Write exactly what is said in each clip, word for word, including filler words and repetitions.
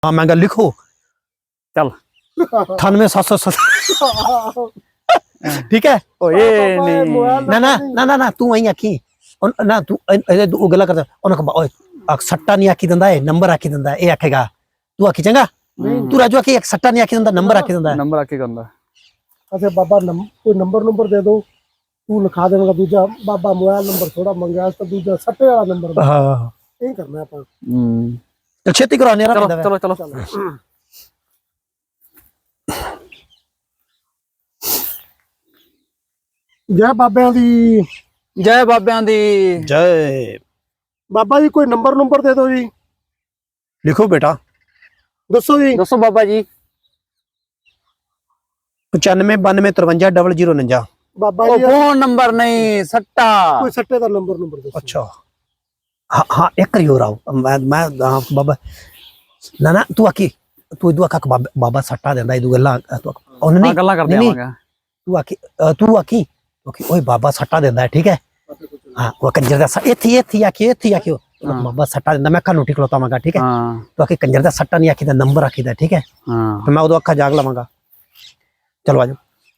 हाँ महंगा लिखो चल अठानवे सात सौ सत्तर ठीक है ओए नहीं ना ना ना ना ना तू वही आखी ना तू तू गला करता उन्हें ओए सट्टा नहीं आखी दंदा है नंबर आखी दंदा है ये आखेगा तू आखी चंगा तू राजू आखी एक सट्टा नहीं आखी दंदा नंबर आखी दंदा नंबर आके करदा अच्छा बाबा नम, कोई नंबर नंबर दे दो तू लिखा देगा दूजा बाबा मोबाइल नंबर थोड़ा मंगया तो दूजा सट्टे वाला नंबर हाँ यही करना है अपन हम्म तो छेती करो नेरा चलो चलो चलो जय बाबे दी जय बाबियां दी जय बाबा जी कोई नंबर नंबर दे दो जी लिखो बेटा दसो जी दसो बाबा जी पचानवे बानवे तरवंजा डबल जीरो उनंजा बाबा ओ जी फोन नंबर नहीं सट्टा कोई सट्टे का नंबर नंबर दो अच्छा हाँ हाँ एक करियो राव मैं मैं हाँ, बाबा ना ना तू आखी तू इदू आखा बाबा बाबा सट्टा देंदा इदू गल्ला तू उन्हें हां गल्ला कर दे आवांगा तू आखी तू आखी ओके ओए बाबा सट्टा देंदा है ठीक है हां वो कंजर दा एथी एथी आखी एथी आखी बाबा सट्टा देंदा मैं कानू ठिकलोता मांगा ठीक है हां तो आखी कंजर दा सट्टा नहीं आखी दा नंबर आखी दा ठीक है हां तो मैं उदो अखा जाग लवांगा चलो आजो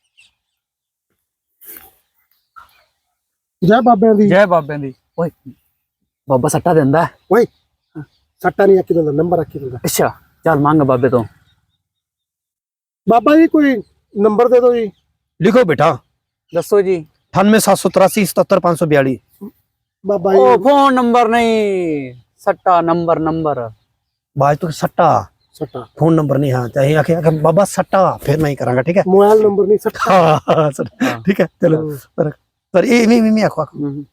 जय बाबे दी जय बाबियां दी ओए बाबा सट्टा देंदा है ओए सट्टा नहीं आखी दंदा नंबर आखी दंदा अच्छा चल मांग बाबे तो बाबा जी कोई नंबर दे दो जी लिखो बेटा दसो जी अठानवे सात सौ तिरासी सतहत्तर पाँच सौ बयालीस बाबा ओ जी फोन नंबर नहीं सट्टा नंबर नंबर बाज तो सट्टा सट्टा फोन नंबर नहीं हाँ चाहिए आखे आखे बाबा सट्टा फिर मैं ही करांगा ठीक है मोबाइल नंबर नहीं सट्टा हाँ हाँ सट्टा हाँ। ठीक है चलो पर पर ये मी मी मी आखो आखो हम्म,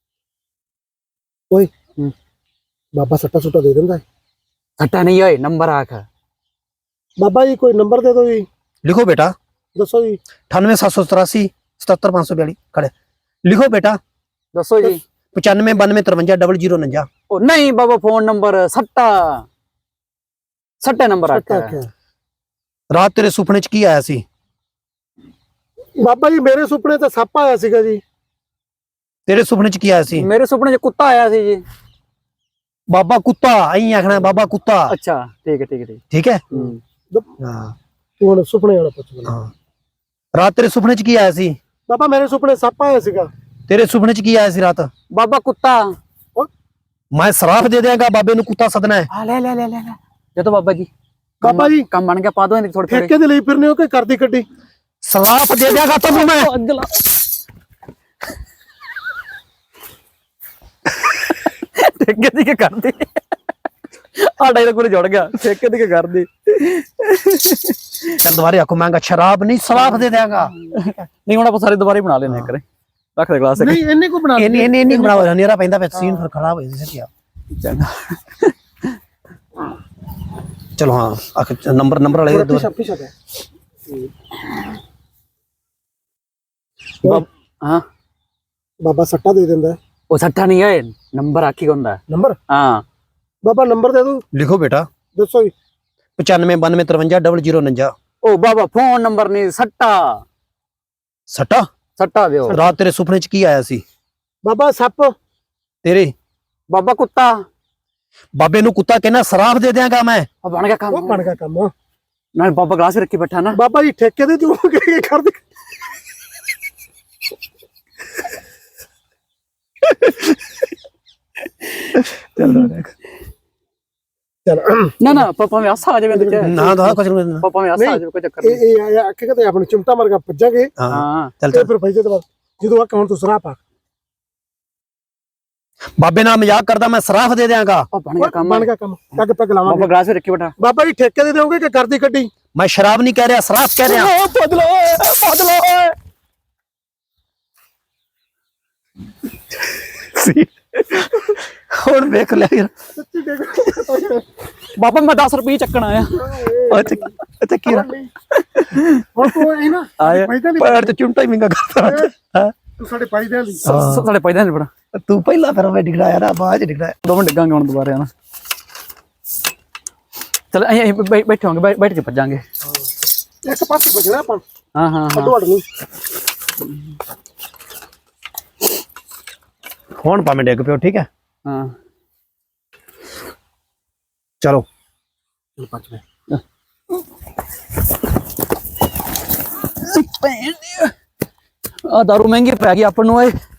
ओए हम्म। बाबा सट्टा सुट्टा दे देंदा है सट्टा नहीं ओए नंबर आख बाबा जी कोई नंबर दे दो जी लिखो बेटा दसो जी अठानवे सात सौ तिरासी सतहत्तर पाँच सौ बयालीस खड़े लिखो बेटा दसो जी पचानवे बानवे तरवंजा डबल जीरो उनंजा ओ नहीं बाबा फोन नंबर सट्टा सट्टे नंबर सट्टा आख क्या रात तेरे सुपने च की आया सी बाबा जी मेरे सुपने ਤੇ ਸੱਪ ਆਇਆ ਸੀਗਾ ਜੀ तेरे सुपने च की आया सी मेरे सुपने च कुत्ता आया सी जी बाबा कुत्ता आई आखना है, बाबा कुत्ता अच्छा ठीक है ठीक है ठीक ठीक है हम्म। हाँ ਤੂੰ ਹੁਣ ਸੁਪਨੇ ਵਾਲਾ ਪੁੱਛ ਮੈਨੂੰ हाँ रात तेरे सुपने च की आया सी ਬਾਬਾ ਮੇਰੇ ਸੁਪਨੇ ਸੱਪ ਆਇਆ ਸੀਗਾ तेरे सुपने च की आया सी रात बाबा कुत्ता मैं सराफ दे देंगा बाबे नु कुत्ता सदना है हाँ ले ले ले ले ले ये तो बाबा जी बाबा जी काम बन गया पा दो थोड़े थोड़े ਠੇਕੇ ਦੇ ਲਈ ਫਿਰਨੇ ਹੋ ਕਿ ਕਰਦੀ ਕੱਢੀ सराफ दे देगा तो मैं अगला ठेके दी के कर दे आ डायलॉग पूरे जुड़ गया ठेके दी के कर दे चल दोबारा आखो महंगा शराब नहीं सराफ दे देगा नहीं हुन आप सारे दोबारा ही बना लेने करे रख दे ग्लास ਨਹੀਂ ਇੰਨੇ ਕੋ ਬਣਾ इन्नी इन्नी इन्नी बनाओ नेरा पैंदा पे सीन फिर खराब हो जैसे क्या चलो हाँ आख नंबर नंबर वाले दो ਪਿਛਾ ਪਿਛਾ ਦੇ हां ਬਾਬਾ ਸੱਟਾ ਦੇ ਦਿੰਦਾ ਹੈ ओ सट्टा नहीं है नंबर आखी होंदा ਨੰਬਰ हां ਬਾਬਾ ਨੰबर ਦੇ ਦੋ लिखो बेटा ਦੱਸੋ ਜੀ पचानवे बानवे तरवंजा डबल जीरो उनंजा ओ बाबा फोन नंबर नहीं सट्टा सट्टा सट्टा दियो रात तेरे सुपने च की आया सी ਬਾਬਾ ਸੱਪ तेरे बाबा कुत्ता बाबे नु कुत्ता कहना सराफ दे देगा मैं अब बन गया काम ਉਹ ਬਣ ਗਿਆ ਕੰਮ ना बाबा ग्लास रखी बैठा ना ਬਾਬਾ ਜੀ ਠੇਕੇ ਦੇ ਤੂੰ ਕੀ ਕਰਦੀ चल ਚਲ ना ना पापा में आसा आ जावे तो क्या ना तो कुछ नहीं पापा में आसा आ जावे कोई चक्कर ਇਹ नहीं ਇਹ ਆਖੇ ਕਿਤੇ ਆਪਣੇ ਚਿਮਟਾ ਮਰਗਾ ਭੱਜਾਂਗੇ हाँ हां चल ਤੇ चल ਫਿਰ ਭੱਜੇ ਤੋਂ ਬਾਅਦ ਜਦੋਂ ਆ ਹੁਣ ਤੂੰ ਸਰਾਪ ਆ बाबे ना मजाक करदा मैं सराफ दे देगा ओ बन गया काम ਬਣ ਗਿਆ ਕੰਮ ਪੱਗ ਪੱਗ बाबा ਲਾਵਾਂਗੇ ग्लास रखी बैठा ਬਾਬਾ ਜੀ ਠੇਕੇ ਦੇ ਦੇਵੋਗੇ ਕਿ ਕਰਦੀ ਕੱਢੀ मैं शराब नहीं कह रहा सराफ कह रहा ओ बदलो बदलो ਹੁਣ ਵੇਖ ਲੈ ਯਾਰ ਸੱਚੀ ਦੇਖ बाबा मैं दस रुपये चक्कन आया ਅੱਛਾ ਅੱਛਾ ਕੀ ਹੁਣ ਤੂੰ ਇਹ ਨਾ ਆਇਆ ਪੈਦਾ ਨਹੀਂ ਪੈਰ ਤੇ ਚੁੰਮਟਾ ਹੀ ਮਿੰਗਾ ਕਰਦਾ ਹਾਂ ਤੂੰ ਸਾਡੇ ਪਾਈ ਦੇ ਲਈ साढ़े पैदा नहीं पड़ा ਤੂੰ ਪਹਿਲਾਂ ਫਿਰ ਮੈਂ ਡਿਗੜਾਇਆ ਨਾ ਬਾਅਦ ਚ ਡਿਗੜਾਇਆ दो मिनट डिगांगे हम दोबारा ना चल अहीं बैठे होंगे बैठ के भज जाएंगे ਇੱਕ ਪਾਸੇ ਭੱਜਣਾ ਆਪਾਂ हाँ हाँ हाँ ਅੱਡੋ ਅੱਡ ਨਹੀਂ ਹੁਣ ਭਾਵੇਂ ਡਿੱਗ ਪਿਓ ਠੀਕ ਹੈ हाँ ਚਲੋ ਚਲ ਪੱਜ ਮੈਂ ਆ ਦਾਰੂ ਮਹਿੰਗੀ ਪੈ ਗਈ ਆਪਾਂ ਨੂੰ ਓਏ